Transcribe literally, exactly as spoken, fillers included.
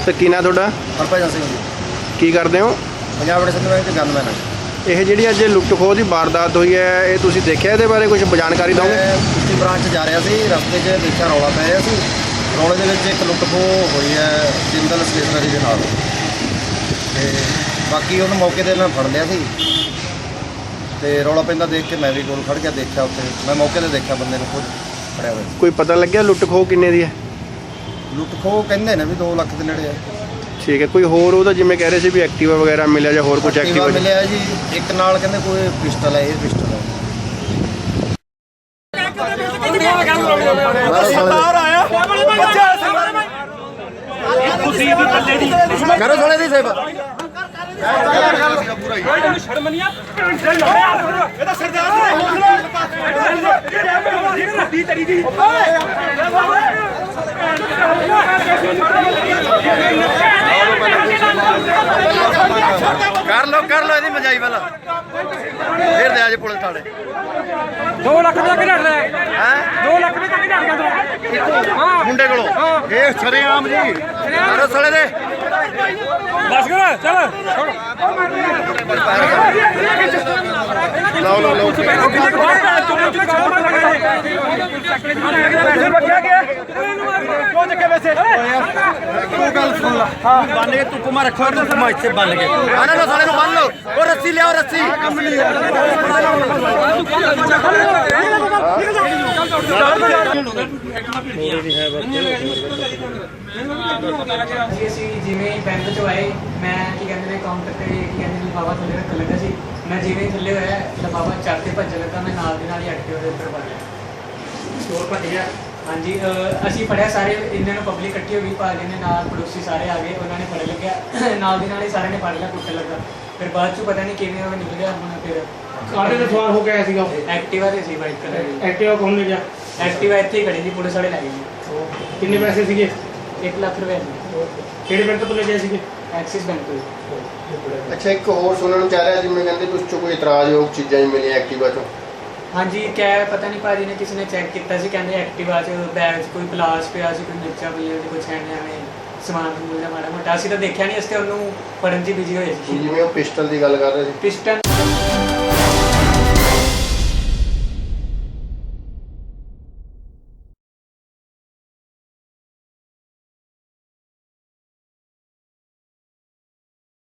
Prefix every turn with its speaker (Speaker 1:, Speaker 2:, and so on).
Speaker 1: तो की ना थोड़ा
Speaker 2: हरभजन सिंह जी
Speaker 1: की करते हो?
Speaker 2: पंजाब नेशनल बैंक के गनमैन है।
Speaker 1: ਇਹ ਜਿਹੜੀ ਅੱਜ ਲੁੱਟ ਖੋਹ ਦੀ ਵਾਰਦਾਤ ਹੋਈ ਹੈ ਇਹ ਤੁਸੀਂ ਦੇਖਿਆ ਇਹਦੇ ਬਾਰੇ ਕੁਝ ਜਾਣਕਾਰੀ ਦਿਓਗੇ?
Speaker 2: ਮੈਂ ਕੁਸ਼ਤੀ ਬ੍ਰਾਂਚ 'ਚ ਜਾ ਰਿਹਾ ਸੀ, ਰਸਤੇ 'ਚ ਦੇਖਿਆ ਰੌਲਾ ਪੈ ਰਿਹਾ ਸੀ। ਰੌਲੇ ਦੇ ਵਿੱਚ ਇੱਕ ਲੁੱਟ ਖੋਹ ਹੋਈ ਹੈ ਜਿੰਦਲ ਸਟੇਸ਼ਨਰੀ ਦੇ ਨਾਲ, ਤੇ ਬਾਕੀ ਉਹਨੂੰ ਮੌਕੇ ਤੇ ਨਾਲ ਫੜ ਲਿਆ ਸੀ। ਤੇ ਰੌਲਾ ਪੈਂਦਾ ਦੇਖ ਕੇ ਮੈਂ ਵੀ ਕੋਲ ਖੜ ਕੇ ਦੇਖਿਆ, ਉੱਥੇ ਮੈਂ ਮੌਕੇ ਤੇ ਦੇਖਿਆ ਬੰਦੇ ਨੂੰ ਖੁਦ ਫੜਿਆ ਹੋਇਆ।
Speaker 1: ਕੋਈ ਪਤਾ ਲੱਗਿਆ ਲੁੱਟ ਖੋਹ ਕਿੰਨੇ ਦੀ ਹੈ?
Speaker 2: ਲੁੱਟ ਖੋਹ ਕਹਿੰਦੇ ਨੇ ਵੀ ਦੋ ਲੱਖ ਦੇ ਨੇੜੇ ਹੈ।
Speaker 1: ਠੀਕ ਹੈ, ਕੋਈ ਹੋਰ ਉਹਦਾ ਜਿਵੇਂ ਕਹਿ ਰਹੇ ਸੀ ਵੀ ਐਕਟਿਵਾ ਵਗੈਰਾ ਮਿਲਿਆ ਜਾਂ ਹੋਰ ਕੁਝ
Speaker 2: ਐਕਟਿਵਾ
Speaker 1: ਐਕਟਿਵਾ
Speaker 2: ਮਿਲਿਆ ਜੀ, ਇੱਕ ਨਾਲ ਕਹਿੰਦੇ ਕੋਈ ਪਿਸਟਲ ਹੈ, ਇਹ ਪਿਸਟਲ ਹੈ। ਕਰੋ ਥੋੜੇ ਦੀ ਸੇਵਾ
Speaker 3: ਸ਼ਰਮ ਨਹੀਂ ਆ ਇਹ ਤਾਂ ਸਰਦਾਰ ਦੀ ਤੇਰੀ ਦੀ
Speaker 2: ਕਰ ਲੋ ਕਰ ਲੋ ਇਹਦੀ ਮਜਾਈ ਵਾਲਾ ਫੇਰ ਦੇ ਆ ਜੇ ਪੁਲਿਸ ਥਾਣੇ।
Speaker 3: ਦੋ ਲੱਖ ਦਾ ਕਿਹੜਾ ਰਿਹਾ
Speaker 2: ਹੈ
Speaker 3: ਦੋ ਲੱਖ ਦਾ ਕਿਹੜਾ ਗਿਆ ਹਾਂ
Speaker 2: ਮੁੰਡੇ ਕੋਲੋਂ ਇਹ ਸ਼ਰੇਆਮ ਜੀ ਕਰੋ ਸਾਲੇ ਦੇ
Speaker 3: ਬਸ ਕਰ ਚੱਲ
Speaker 2: ਲਓ ਲਓ ਲਓ ਤੂੰ ਗੱਲ ਸੁਣ ਲਾ ਬੰਨ ਕੇ ਤੂੰ ਕੁਮਾ ਰੱਖੋ ਤੂੰ ਕੁਮਾ ਇੱਥੇ ਬੰਨ ਕੇ ਆਣਾ ਨਾ ਸਾਲੇ ਨੂੰ ਬੰਨ ਲਓ ਉਹ ਰੱਸੀ ਲਿਆਓ ਰੱਸੀ ਕੰਮ ਨਹੀਂ
Speaker 4: ਅਸੀਂ ਜਿਵੇਂ ਬੈਂਕ ਚੋਂ ਆਏ ਮੈਂ ਕੀ ਕਹਿੰਦੇ ਨੇ ਕਾਊਂਟਰ ਤੇ ਕੀ ਕਹਿੰਦੇ ਨੇ ਬਾਬਾ ਥੱਲੇ ਰੱਖਣ ਲੱਗਾ ਸੀ। ਮੈਂ ਜਿਵੇਂ ਥੱਲੇ ਹੋਇਆ ਤਾਂ ਬਾਬਾ ਚੜ੍ਹ ਕੇ ਭੱਜਣ ਲੱਗਾ, ਮੈਂ ਨਾਲ ਦੇ ਨਾਲ ਹੀ ਐਕਟਿਵਾ ਦੇ ਉੱਪਰ ਵੜ ਗਿਆ, ਸਟੋਰ ਭੱਜ ਗਿਆ। ਹਾਂਜੀ ਅਸੀਂ ਫੜਿਆ ਸਾਰੇ, ਇਹਨਾਂ ਨੂੰ ਪਬਲਿਕ ਇਕੱਠੀ ਹੋ ਗਈ, ਭਾਜੀ ਨੇ ਨਾਲ ਪੜੋਸੀ ਸਾਰੇ ਆ ਗਏ, ਉਹਨਾਂ ਨੇ ਫੜ ਲੱਗਿਆ ਨਾਲ ਦੇ ਨਾਲ ਹੀ ਸਾਰਿਆਂ ਨੇ ਫੜ ਲਿਆ, ਕੁੱਟਣ ਲੱਗਾ। ਫਿਰ ਬਾਅਦ ਚੋਂ ਪਤਾ ਨਹੀਂ ਕਿਵੇਂ ਉਹ ਨਿਕਲ ਗਿਆ। ਹੁਣ ਫਿਰ
Speaker 3: ਕਾਹਦੇ ਤੇ ਸਵਾਰ ਹੋ ਕੇ ਆਇਆ ਸੀਗਾ?
Speaker 4: ਐਕਟਿਵਾ ਤੇ ਸੀ, ਵਾਈਟ ਕਲਰ ਦੀ
Speaker 3: ਐਕਟਿਵਾ ਕੌਣ ਲੈ ਗਿਆ?
Speaker 4: ਐਕਟਿਵਾ ਇੱਥੇ ਹੀ ਖੜੀ ਸੀ, ਪੁਲਿਸ ਵਾਲੇ ਲੈ ਗਏ ਜੀ।
Speaker 3: ਕਿੰਨੇ ਪੈਸੇ ਸੀਗੇ?
Speaker 4: ਇੱਕ ਲੱਖ ਰੁਪਏ ਸੀ।
Speaker 3: ਕਿਹੜੇ ਬੈਂਕ ਤੋਂ ਲੈ ਗਏ ਸੀਗੇ?
Speaker 4: ਐਕਸਿਸ ਬੈਂਕ ਤੋਂ।
Speaker 1: ਅੱਛਾ, ਇੱਕ ਹੋਰ ਸੁਣਨ ਨੂੰ ਚਾਹ ਰਿਹਾ ਜਿਵੇਂ ਕਹਿੰਦੇ ਕੁਝ ਚੋਂ ਕੋਈ ਇਤਰਾਜ਼ਯੋਗ ਚੀਜ਼ਾਂ ਹੀ ਮਿਲੀਆਂ ਐਕਟਿਵਾ ਚੋਂ।
Speaker 4: ਹਾਂਜੀ ਕਿਆ ਪਤਾ ਨਹੀਂ, ਭਾਜੀ ਨੇ ਕਿਸੇ ਨੇ ਚੈੱਕ ਕੀਤਾ ਸੀ, ਕਹਿੰਦੇ ਐਕਟਿਵਾ 'ਚ ਬੈਗ 'ਚ ਕੋਈ ਪਲਾਸ ਪਿਆ ਸੀ, ਕੋਈ ਮਿਰਚਾਂ ਪਈਆਂ ਸੀ, ਕੁਛ ਐਵੇਂ ਐਵੇਂ ਸਮਾਨ ਸਮੂਨ ਦਾ ਮਾੜਾ ਮੋਟਾ। ਅਸੀਂ ਤਾਂ ਦੇਖਿਆ ਨਹੀਂ, ਅਸੀਂ ਤਾਂ ਉਹਨੂੰ ਫੜਨ 'ਚ ਬਿਜੀ ਹੋਏ ਸੀ।
Speaker 1: ਜਿਵੇਂ ਉਹ ਪਿਸਟਲ ਦੀ ਗੱਲ ਕਰ ਰਹੇ ਸੀ।
Speaker 4: ਪਿਸਟਨ